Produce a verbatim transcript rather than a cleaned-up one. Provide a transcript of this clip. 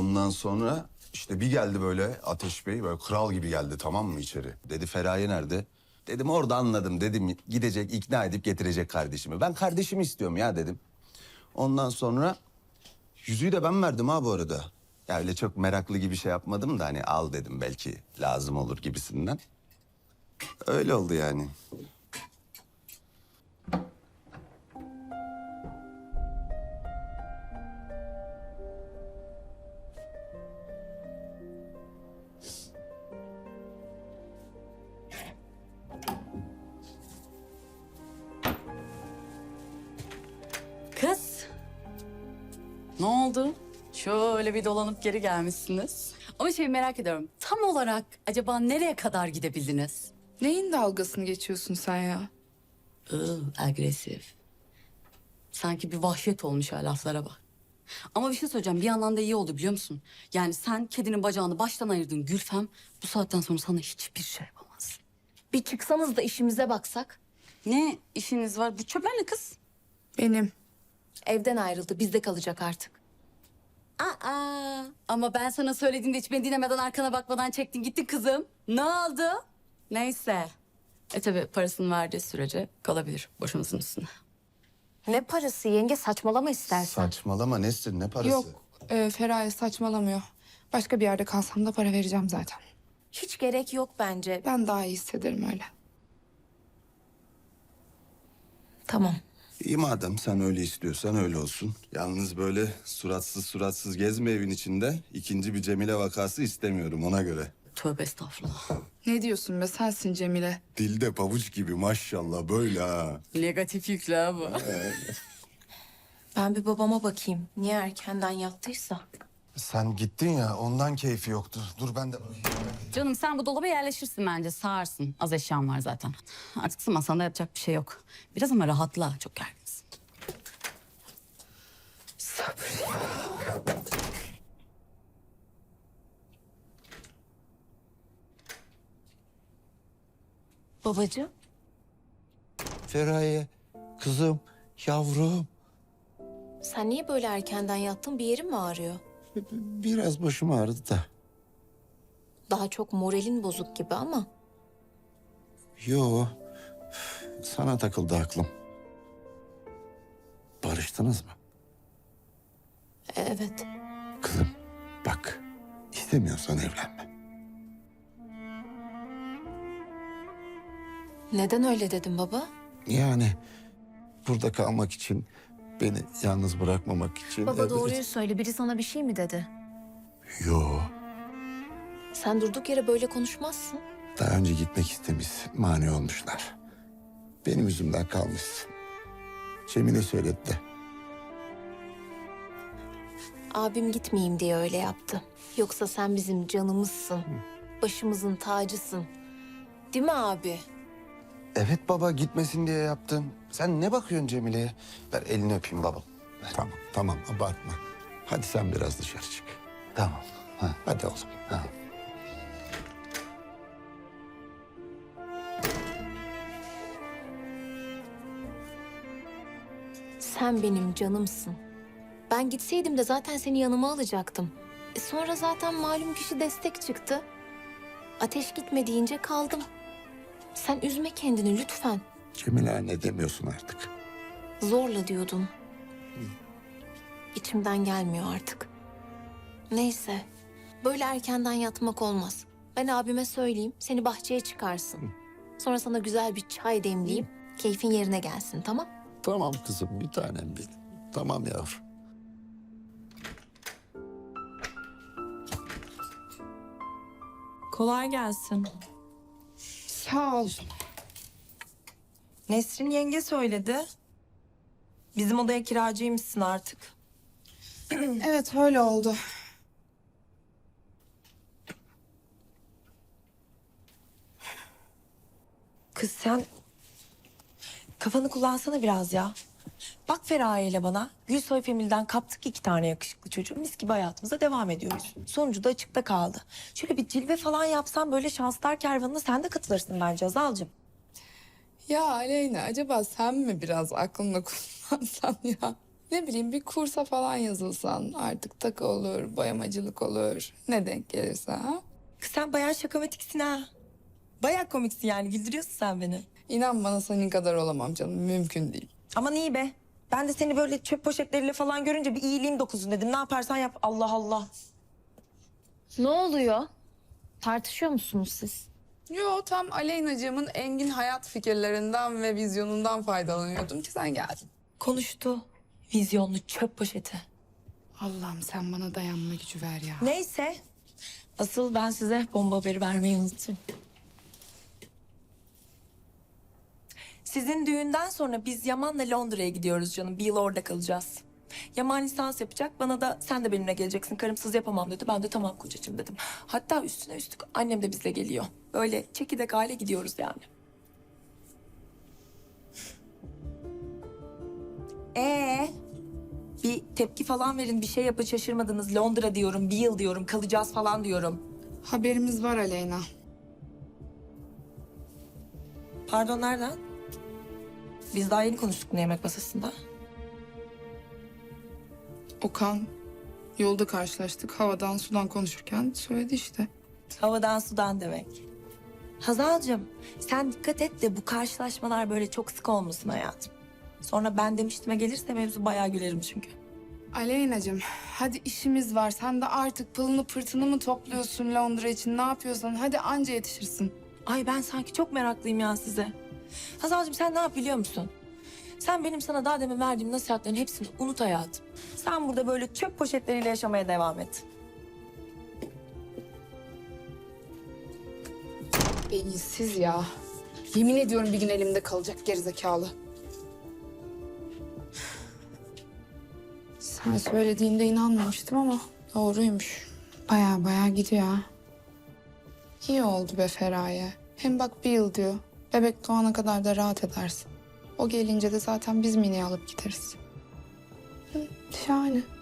Ondan sonra işte bir geldi böyle Ateş Bey, böyle kral gibi geldi, tamam mı, içeri. Dedi Feraye nerede? Dedim orada, anladım, dedim gidecek, ikna edip getirecek kardeşimi. Ben kardeşimi istiyorum ya dedim. Ondan sonra yüzüğü de ben verdim ha bu arada. Ya öyle çok meraklı gibi şey yapmadım da hani al dedim, belki lazım olur gibisinden. Öyle oldu yani. Kız. Ne oldu? Şöyle bir dolanıp geri gelmişsiniz. Ama şey merak ediyorum. Tam olarak acaba nereye kadar gidebildiniz? Neyin dalgasını geçiyorsun sen ya? Iı, agresif. Sanki bir vahşet olmuş ha, laflara bak. Ama bir şey söyleyeceğim. Bir yandan da iyi oldu biliyor musun? Yani sen kedinin bacağını baştan ayırdın Gülfem. Bu saatten sonra sana hiçbir şey yapamaz. Bir çıksanız da işimize baksak. Ne işiniz var? Bu çöpler ne kız? Benim. Evden ayrıldı, bizde kalacak artık. Aa, ama ben sana söylediğimde hiç beni dinlemeden arkana bakmadan çektin gittin kızım. Ne oldu? Neyse. E tabii parasını verdiği sürece kalabilir başımızın üstüne. Ne parası yenge, saçmalama istersen. Saçmalama Nesrin, ne parası? Yok, e, Feraye saçmalamıyor. Başka bir yerde kalsam da para vereceğim zaten. Hiç gerek yok bence. Ben daha iyi hissederim öyle. Tamam. İyi madem sen öyle istiyorsan öyle olsun. Yalnız böyle suratsız suratsız gezme evin içinde. İkinci bir Cemile vakası istemiyorum ona göre. Tövbe estağfurullah. Ne diyorsun be, sensin Cemile. Dilde pabuç gibi maşallah böyle ha. Negatif yükle ha bu. Ben bir babama bakayım. Niye erkenden yattıysa. Sen gittin ya, ondan keyfi yoktu. Dur ben de... Canım sen bu dolaba yerleşirsin bence, sağarsın. Az eşyan var zaten. Artık sığmasan da yapacak bir şey yok. Biraz ama rahatla, çok gerginsin. Babacığım. Feraye, kızım, yavrum. Sen niye böyle erkenden yattın? Bir yerin mi ağrıyor? Biraz başım ağrıdı da. Daha çok moralin bozuk gibi ama. Yo, sana takıldı aklım. Barıştınız mı? E, Evet. Kızım, bak, istemiyorsan evlenme. Neden öyle dedin baba? Yani burada kalmak için, beni yalnız bırakmamak için... Baba evet. doğruyu söyle. Biri sana bir şey mi dedi? Yo, Sen durduk yere böyle konuşmazsın. daha önce gitmek istemiş, mani olmuşlar. Benim yüzümden kalmışsın. Cemile söyledi de. Abim gitmeyeyim diye öyle yaptı. Yoksa sen bizim canımızsın. Başımızın tacısın. Değil mi abi? Evet baba, gitmesin diye yaptım. Sen ne bakıyorsun Cemile'ye? Ver elini öpeyim baba. Tamam, tamam, abartma. Hadi sen biraz dışarı çık. Tamam. Ha. Hadi oğlum. Ha. Sen benim canımsın. Ben gitseydim de zaten seni yanıma alacaktım. E sonra zaten malum kişi destek çıktı. Ateş gitme deyince kaldım. Sen üzme kendini lütfen. Cemile anne demiyorsun artık. Zorla diyordun. İçimden gelmiyor artık. Neyse. Böyle erkenden yatmak olmaz. Ben abime söyleyeyim, seni bahçeye çıkarsın. Sonra sana güzel bir çay demleyeyim, keyfin yerine gelsin, tamam? Tamam kızım, bir tanem benim. Tamam yavrum. Kolay gelsin. Sağ ol. Nesrin yenge söyledi. Bizim odaya kiracıymışsın artık. Evet, öyle oldu. Kız sen kafanı kullansana biraz ya. Bak Feraye ile bana Gülsoy Femil'den kaptık iki tane yakışıklı çocuğu. Mis gibi hayatımıza devam ediyoruz. Sonucu da açıkta kaldı. Şöyle bir cilve falan yapsan böyle şanslar kervanına sen de katılırsın bence Azal'cığım. Ya Aleyna, acaba sen mi biraz aklını kullansan ya? Ne bileyim bir kursa falan yazılsan artık takı olur, boyamacılık olur. Ne denk gelirse ha. Kız sen bayağı şakamatiksin ha. Bayağı komiksin yani güldürüyorsun sen beni. İnan bana senin kadar olamam canım. Mümkün değil. Aman iyi be. Ben de seni böyle çöp poşetleriyle falan görünce bir iyiliğim dokuzun dedim. Ne yaparsan yap Allah Allah. Ne oluyor? Tartışıyor musunuz siz? Yo tam Aleyna'cığımın engin hayat fikirlerinden ve vizyonundan faydalanıyordum ki sen geldin. Konuştu. Vizyonlu çöp poşeti. Allah'ım sen bana dayanma gücü ver ya. Neyse. Asıl ben size bomba haberi vermeyi unuttum. Sizin düğünden sonra biz Yaman'la Londra'ya gidiyoruz canım. Bir yıl orada kalacağız. Yaman lisans yapacak. Bana da sen de benimle geleceksin. Karımsız yapamam dedi. Ben de tamam kocacığım dedim. Hatta üstüne üstlük annem de bizle geliyor. Böyle çekirdek aile gidiyoruz yani. Ee, bir tepki falan verin. Bir şey yapın şaşırmadınız. Londra diyorum, bir yıl diyorum, kalacağız falan diyorum. Haberimiz var Aleyna. Pardon nereden? Biz daha yeni konuştuk ne yemek masasında. Okan yolda karşılaştık. Havadan sudan konuşurken söyledi işte. Havadan sudan demek. Hazal'cığım sen dikkat et de bu karşılaşmalar böyle çok sık olmasın hayatım. Sonra ben demiştime gelirse mevzu bayağı gülerim çünkü. Aleyna'cığım hadi işimiz var. Sen de artık pılını pırtını mı topluyorsun Londra için? Ne yapıyorsan hadi anca yetişirsin. Ay ben sanki çok meraklıyım ya size. Hazal'cığım sen ne yap biliyor musun? Sen benim sana daha demin verdiğim nasihatlerin hepsini unut hayatım. Sen burada böyle çöp poşetleriyle yaşamaya devam et. Beyinsiz ya. Yemin ediyorum bir gün elimde kalacak gerizekalı. Sen söylediğinde inanmamıştım ama doğruymuş. Baya baya gidiyor ha. İyi oldu be Feraye. Hem bak bir yıl diyor. Bebek doğana kadar da rahat edersin. O gelince de zaten biz Mine'yi alıp gideriz. Hı, şahane.